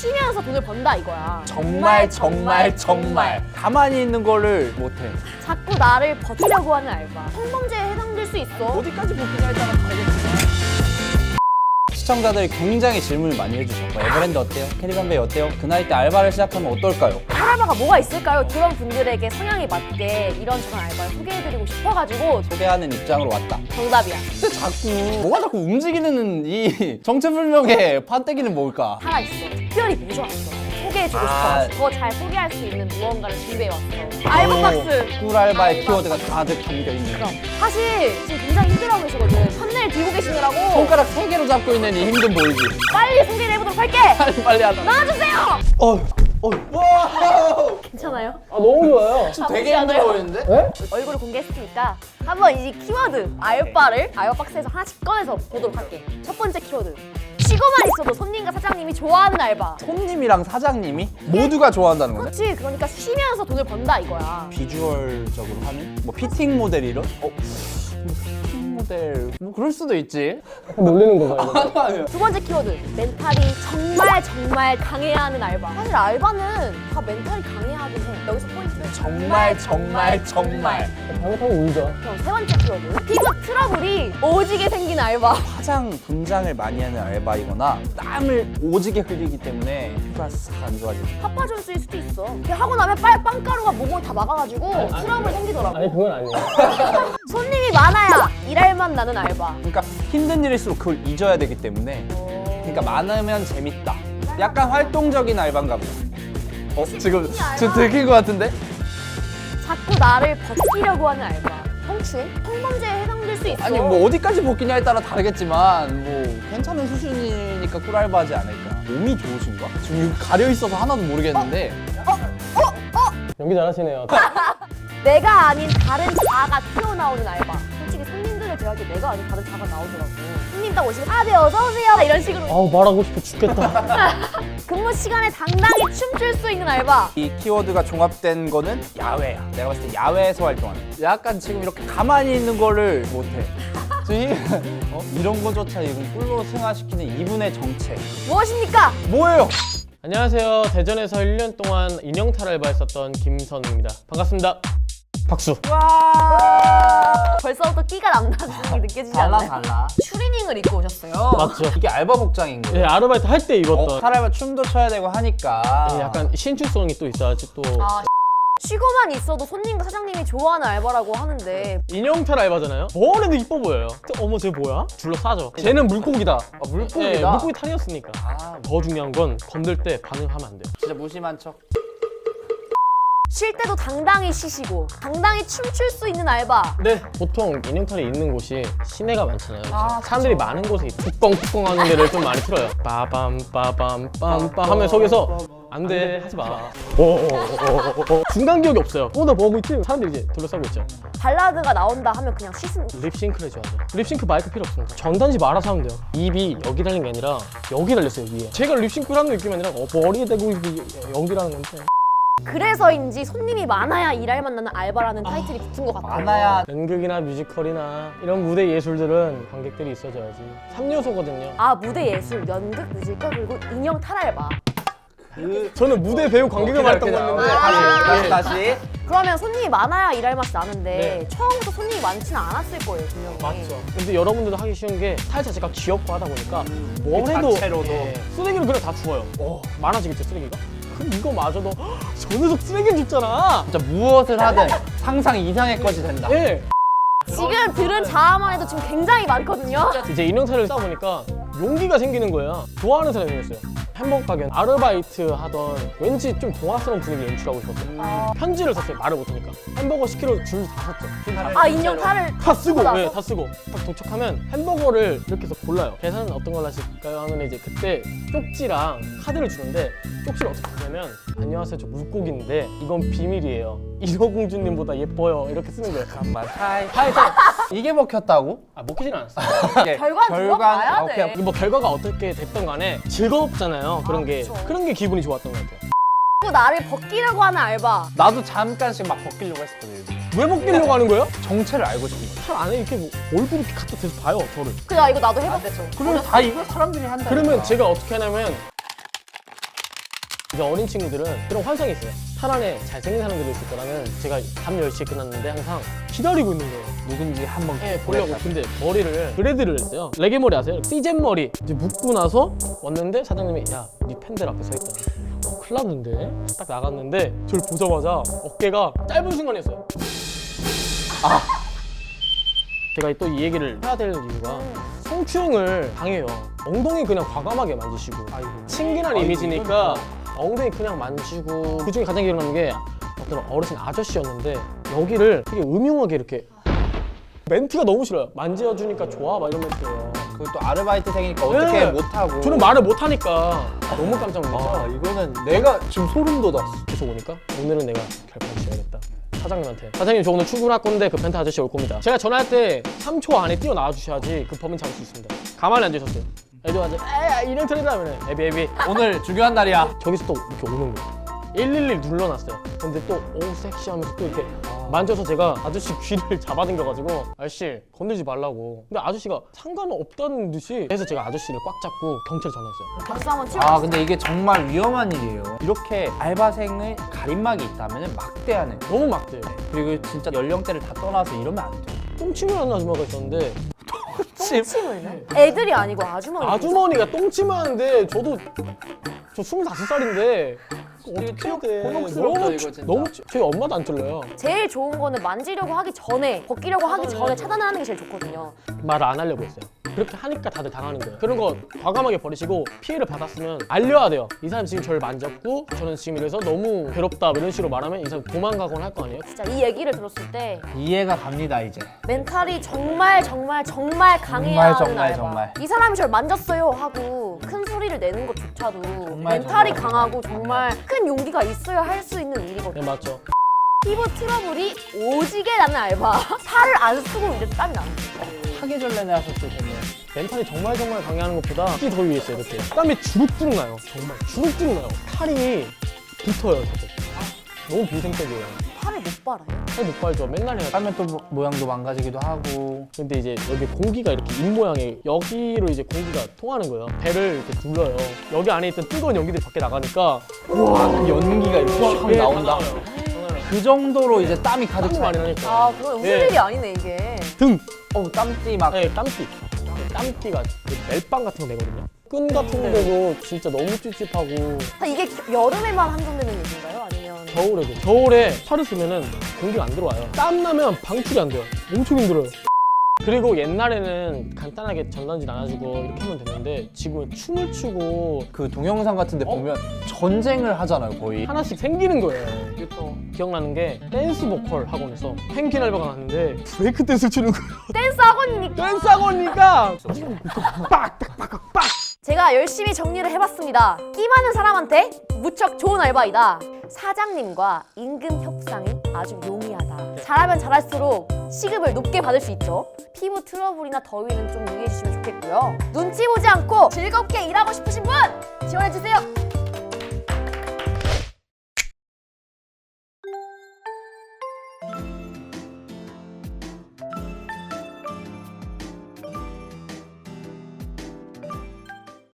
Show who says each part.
Speaker 1: 쉬면서 돈을 번다 이거야.
Speaker 2: 정말 가만히 있는 거를 못해.
Speaker 1: 자꾸 나를 버티려고 하는 알바. 성범죄에 해당될 수 있어.
Speaker 2: 어디까지 복귀냐에 따라 다르겠지. 시청자들이 굉장히 질문을 많이 해주셔. 뭐 에버랜드 어때요? 캐리건베이 어때요? 그 나이 때 알바를 시작하면 어떨까요?
Speaker 1: 알바가 뭐가 있을까요? 그런 분들에게 성향에 맞게 이런저런 알바를 소개해드리고 싶어가지고
Speaker 2: 소개하는 입장으로 왔다.
Speaker 1: 정답이야.
Speaker 2: 근데 뭐가 자꾸 움직이는 이 정체불명의 판때기는 뭘까?
Speaker 1: 살아있어. 특별히 모셔왔어. 소개해주고
Speaker 2: 아.
Speaker 1: 싶어서 더 잘 소개할 수 있는 무언가를 준비해왔어. 알바 박스!
Speaker 2: 꿀알바의
Speaker 1: 알바
Speaker 2: 키워드가
Speaker 1: 박스.
Speaker 2: 가득 담겨있는.
Speaker 1: 그럼 사실 지금 굉장히 힘들어하고 계시거든. thumbnail 들고 계시느라고
Speaker 2: 손가락 3개로 잡고 있는 이 힘든 보이지?
Speaker 1: 빨리 소개를 해보도록 할게!
Speaker 2: 빨리 하자.
Speaker 1: 나와주세요!
Speaker 2: 와!
Speaker 1: 괜찮아요?
Speaker 3: 아 너무 좋아요.
Speaker 2: 지금 되게 힘들어 보이는데?
Speaker 3: 네?
Speaker 1: 얼굴을 공개했으니까 한번 이 키워드 알바를 알바 박스에서 하나씩 꺼내서 보도록 할게. 첫 번째 키워드. 쉬고만 있어도 손님과 사장님이 좋아하는 알바.
Speaker 2: 손님이랑 사장님이 모두가 좋아한다는 거네?
Speaker 1: 그렇지. 그러니까 쉬면서 돈을 번다 이거야.
Speaker 2: 비주얼적으로 하는? 뭐 피팅 모델 이런? 피팅 모델 뭐 그럴 수도 있지.
Speaker 3: 놀리는 거죠.
Speaker 2: 아니야.
Speaker 1: 두 번째 키워드. 멘탈이 정말 강해야 하는 알바. 사실 알바는 다 멘탈이 강해야 하긴 해. 여기서 포인트는
Speaker 2: 정말
Speaker 3: 잘못하면 울죠.
Speaker 1: 그럼 세 번째 키워드. 피부 트러블이 오지게 생긴 알바.
Speaker 2: 화장 분장을 많이 하는 알바이거나 땀을 오지게 흘리기 때문에 피부가 싹 안 좋아지는.
Speaker 1: 파파존스일 수도 있어. 이렇게 하고 나면 빵가루가 몸을 다 막아가지고 트러블 생기더라고.
Speaker 3: 아니 그건 아니에요.
Speaker 1: 손님이 많아야 일할만 나는 알바.
Speaker 2: 그러니까 힘든 일일수록 그걸 잊어야 되기 때문에 그러니까 많으면 재밌다. 약간 활동적인 알바인가 보다. 지금 들킨 것 같은데?
Speaker 1: 자꾸 나를 버티려고 하는 알바. 성추행? 성범죄에 해당될 수 있어.
Speaker 2: 아니 뭐 어디까지 복귀냐에 따라 다르겠지만 뭐 괜찮은 수준이니까 꿀알바지 않을까. 몸이 좋으신가? 지금 이거 가려 있어서 하나도 모르겠는데.
Speaker 3: 연기 잘하시네요.
Speaker 1: 내가 아닌 다른 자아가 튀어나오는 알바. 솔직히 손님들을 대하기에 내가 아닌 다른 자아가 나오더라고. 손님 딱 오시면 네 어서오세요 이런 식으로
Speaker 3: 아우 말하고 싶어 죽겠다.
Speaker 1: 근무 시간에 당당히 춤출 수 있는 알바.
Speaker 2: 이 키워드가 종합된 거는 야외야. 내가 봤을 때 야외에서 활동하는. 약간 지금 이렇게 가만히 있는 거를 못해. 지금 이런 거조차 지금 꿀로 승화시키는 이분의 정체.
Speaker 1: 무엇입니까?
Speaker 2: 뭐예요?
Speaker 3: 안녕하세요. 대전에서 1년 동안 인형탈 알바했었던 김선우입니다. 반갑습니다. 박수.
Speaker 1: 와 벌써부터 끼가 남다는 게 느껴지지 않나요?
Speaker 2: 달라.
Speaker 1: 추리닝을 입고 오셨어요.
Speaker 3: 맞죠?
Speaker 2: 이게 알바 복장인 거예요.
Speaker 3: 예, 아르바이트 할 때 입었던
Speaker 2: 사람은 춤도 춰야 되고 하니까.
Speaker 3: 예, 약간 신축성이 또 있어야지 또.
Speaker 1: 아, 쉬고만 있어도 손님과 사장님이 좋아하는 알바라고 하는데
Speaker 3: 인형탈 알바잖아요? 뭘 해도 이뻐 보여요. 어머 쟤 뭐야? 둘러싸죠. 쟤는 물고기다.
Speaker 2: 물고기다.
Speaker 3: 예, 물고기 탈이었으니까.
Speaker 2: 아,
Speaker 3: 더 중요한 건 건들 때 반응하면 안 돼요.
Speaker 2: 진짜 무심한 척.
Speaker 1: 쉴 때도 당당히 쉬시고 당당히 춤출 수 있는 알바.
Speaker 3: 네, 보통 인형탈이 있는 곳이 시내가 많잖아요.
Speaker 1: 아,
Speaker 3: 사람들이 많은 곳에 뚜껑뚜껑 하는 데를 좀 많이 틀어요. 빠밤 빠밤 빰빰 하면 속에서 안 돼 하지 마. 중간 기억이 없어요. 나 뭐 하고 있지? 사람들이 이제 둘러싸고 있죠.
Speaker 1: 발라드가 나온다 하면 그냥 씻은.
Speaker 3: 립싱크를 해줘야죠. 립싱크 마이크 필요 없습니다. 전단지 알아서 하면 돼요. 입이 여기 달린 게 아니라 여기 달렸어요, 위에. 제가 립싱크를 하는 느낌이 아니라 머리에 대고 연기라는 건데.
Speaker 1: 그래서인지 손님이 많아야 일할만 나는 알바라는 타이틀이 붙은 것 같아요.
Speaker 2: 많아야.
Speaker 3: 연극이나 뮤지컬이나 이런 무대 예술들은 관객들이 있어줘야지. 3요소거든요.
Speaker 1: 아 무대 예술, 연극, 뮤지컬 그리고 인형 탈알바.
Speaker 3: 저는 무대 배우 관객을 말했던 건데.
Speaker 2: 다시.
Speaker 1: 그러면 손님이 많아야 일할 맛이 나는데
Speaker 3: 네.
Speaker 1: 처음부터 손님이 많지는 않았을 거예요 분명히.
Speaker 3: 맞죠. 근데 여러분들도 하기 쉬운 게 스타일 자체가 귀엽고 하다 보니까 뭘
Speaker 2: 그
Speaker 3: 해도
Speaker 2: 자체로도.
Speaker 3: 쓰레기를 그냥 다 주워요. 많아지겠죠 쓰레기가? 그럼 이거마저도 저 녀석 쓰레기를 줬잖아.
Speaker 2: 진짜 무엇을 하든 상상 이상의 것이 된다.
Speaker 3: 예.
Speaker 1: 지금 들은 자아만 해도 지금 굉장히 많거든요.
Speaker 3: 이제 인형탈을 싸 보니까 용기가 생기는 거예요. 좋아하는 사람이 생겼어요. 햄버거 가게 아르바이트 하던 왠지 좀 동화스러운 분위기 연출하고 싶었어요. 편지를 썼어요. 말을 못하니까. 햄버거 10kg 줄 다 샀죠.
Speaker 1: 아 인형 탈을
Speaker 3: 다 쓰고,
Speaker 1: 나서?
Speaker 3: 네, 다 쓰고. 딱 도착하면 햄버거를 이렇게 해서 골라요. 계산은 어떤 걸 하실까요? 하면 이제 그때 쪽지랑 카드를 주는데 쪽지를 어떻게 하냐면 안녕하세요, 저 물고기인데 이건 비밀이에요. 인어공주님보다 예뻐요. 이렇게 쓰는 거예요.
Speaker 2: 잠깐만. 하이. 이게 먹혔다고?
Speaker 3: 아, 먹히진 않았어요.
Speaker 1: 결과는 들어봐야 돼.
Speaker 2: 오케이.
Speaker 3: 뭐 결과가 어떻게 됐던 간에 즐겁잖아요. 그런 게
Speaker 1: 그쵸.
Speaker 3: 그런 게 기분이 좋았던 것 같아요.
Speaker 1: 자꾸 나를 벗기려고 하는 알바.
Speaker 2: 나도 잠깐씩 막 벗기려고 했었거든.
Speaker 3: 왜 먹기려고 하는 거예요?
Speaker 2: 정체를 알고 싶은 거야.
Speaker 3: 살 안에 이렇게 뭐 얼굴 이렇게 갖다 대서 봐요, 저를.
Speaker 1: 그래 이거 나도 해봤어.
Speaker 2: 그러면 다 이거 사람들이 한다.
Speaker 3: 그러면 제가 어떻게 하냐면 이제 어린 친구들은 그런 환상이 있어요. 탈 안에 잘생긴 사람들이 있을 거라는. 제가 밤 10시에 끝났는데 항상 기다리고 있는 거예요.
Speaker 2: 누군지 한번
Speaker 3: 보려고. 근데 머리를 그레드를 했어요. 레게 머리 아세요? 띠젠 머리 이제 묶고 나서 왔는데 사장님이 야, 네 팬들 앞에 서 있다. 큰일 났는데? 딱 나갔는데 저를 보자마자 어깨가 짧은 순간이었어요. 제가 또 이 얘기를 해야 될 이유가 성추행을 당해요. 엉덩이 그냥 과감하게 만지시고 친근한 이미지니까 엉덩이 그냥 만지고. 그중에 가장 기억나는 게 어떤 어르신 아저씨였는데 여기를 되게 음흉하게 이렇게. 멘트가 너무 싫어요. 만져주니까 좋아 막 이런 멘트예요.
Speaker 2: 그것도 아르바이트생이니까 어떻게
Speaker 3: 네.
Speaker 2: 못하고.
Speaker 3: 저는 말을 못하니까 너무 깜짝 놀랐어요.
Speaker 2: 이거는 내가 지금 소름 돋았어.
Speaker 3: 계속 오니까 오늘은 내가 결판 지어야겠다. 사장님한테 사장님 저 오늘 출근할 건데 그 펜트 아저씨 올 겁니다. 제가 전화할 때 3초 안에 뛰어나와 주셔야지 그 범인 잡을 수 있습니다. 가만히 앉으셨어요. 애들한테 이런 틀이다 하면 애비
Speaker 2: 오늘 중요한 날이야.
Speaker 3: 저기서 또 이렇게 오는 거예요. 111 눌러놨어요. 근데 또 오 섹시하면서 또 이렇게 만져서 제가 아저씨 귀를 잡아당겨가지고 아저씨 건들지 말라고. 근데 아저씨가 상관없다는 듯이. 그래서 제가 아저씨를 꽉 잡고 경찰에 전화했어요.
Speaker 1: 박수 한번 치고.
Speaker 2: 근데 이게 정말 위험한 일이에요. 이렇게 알바생의 가림막이 있다면 막대하는.
Speaker 3: 너무 막대요.
Speaker 2: 그리고 진짜 연령대를 다 떠나서 이러면 안 돼.
Speaker 3: 똥침을 하는 아줌마가 있었는데
Speaker 1: 똥침을 애들이 아니고 아주머니.
Speaker 3: 아주머니가 똥침을 하는데 저도 저 25살인데 어떻게 해야 돼.
Speaker 2: 곤혹스럽다, 이거 진짜.
Speaker 3: 너무 저희 엄마도 안 들려요.
Speaker 1: 제일 좋은 거는 만지려고 하기 전에, 벗기려고 하기 전에 차단을 하는 게 제일 좋거든요.
Speaker 3: 말을 안 하려고 했어요. 그렇게 하니까 다들 당하는 거예요. 그런 거 과감하게 버리시고 피해를 받았으면 알려야 돼요. 이 사람 지금 저를 만졌고 저는 지금 이래서 너무 괴롭다 이런 식으로 말하면 이 사람 도망가거나 할 거 아니에요?
Speaker 1: 진짜 이 얘기를 들었을 때
Speaker 2: 이해가 갑니다 이제.
Speaker 1: 멘탈이 정말 강해야 하는 알바.
Speaker 2: 정말.
Speaker 1: 이 사람이 저를 만졌어요 하고 큰 소리를 내는 것조차도 멘탈이 강하고 정말 큰 용기가 있어야 할 수 있는 일이거든요.
Speaker 3: 네, 맞죠.
Speaker 1: 피부 트러블이 오지게 나는 알바. 살을 안 쓰고 이래도 땀이 나는 거예요.
Speaker 2: 사계절내내 하셨을 텐데.
Speaker 3: 멘탈이 정말 강해하는 것보다 특히 더 위에 있어요. 이렇게 땀이 주룩주룩 나요. 정말 주룩주룩 나요. 팔이 붙어요. 저도. 너무 비생적이에요.
Speaker 1: 팔을 못 빨아요.
Speaker 3: 팔 못 빨죠. 맨날 해야 돼.
Speaker 2: 하면 또 모양도 망가지기도 하고.
Speaker 3: 근데 이제 여기 공기가 이렇게 입 모양에 여기로 이제 공기가 통하는 거예요. 배를 이렇게 눌러요. 여기 안에 있던 뜨거운 연기들이 밖에 나가니까
Speaker 2: 그 연기가 이렇게 확 나온다. 그 정도로 이제 땀이 가득
Speaker 3: 땀이
Speaker 2: 차.
Speaker 3: 많이 나니까.
Speaker 1: 아, 그건 웃을
Speaker 3: 네.
Speaker 1: 일이 아니네 이게.
Speaker 3: 등!
Speaker 2: 땀띠 막.
Speaker 3: 네, 땀띠. 땀띠가 멜빵 같은 거 내거든요. 끈 같은 거 되고 진짜 너무 찝찝하고.
Speaker 1: 이게 여름에만 한정되는 얘기인가요? 아니면
Speaker 3: 겨울에도. 겨울에 팔을 쓰면은 공기가 안 들어와요. 땀 나면 방출이 안 돼요. 엄청 힘들어요. 그리고 옛날에는 간단하게 전단지 나눠주고 이렇게 하면 됐는데 지금은 춤을 추고
Speaker 2: 그 동영상 같은데 보면 전쟁을 하잖아요 거의.
Speaker 3: 하나씩 생기는 거예요. 이게 또 기억나는 게 댄스 보컬 학원에서 펭귄 알바가 났는데 브레이크 댄스를 추는 거예요.
Speaker 1: 댄스 학원이니까.
Speaker 3: 댄스 학원이니까 빡!
Speaker 1: 제가 열심히 정리를 해봤습니다. 끼 많은 사람한테 무척 좋은 알바이다. 사장님과 임금 협상이 아주 용이하다. 잘하면 잘할수록 시급을 높게 받을 수 있죠. 피부 트러블이나 더위는 좀 유의해 주시면 좋겠고요. 눈치 보지 않고 즐겁게 일하고 싶으신 분 지원해 주세요.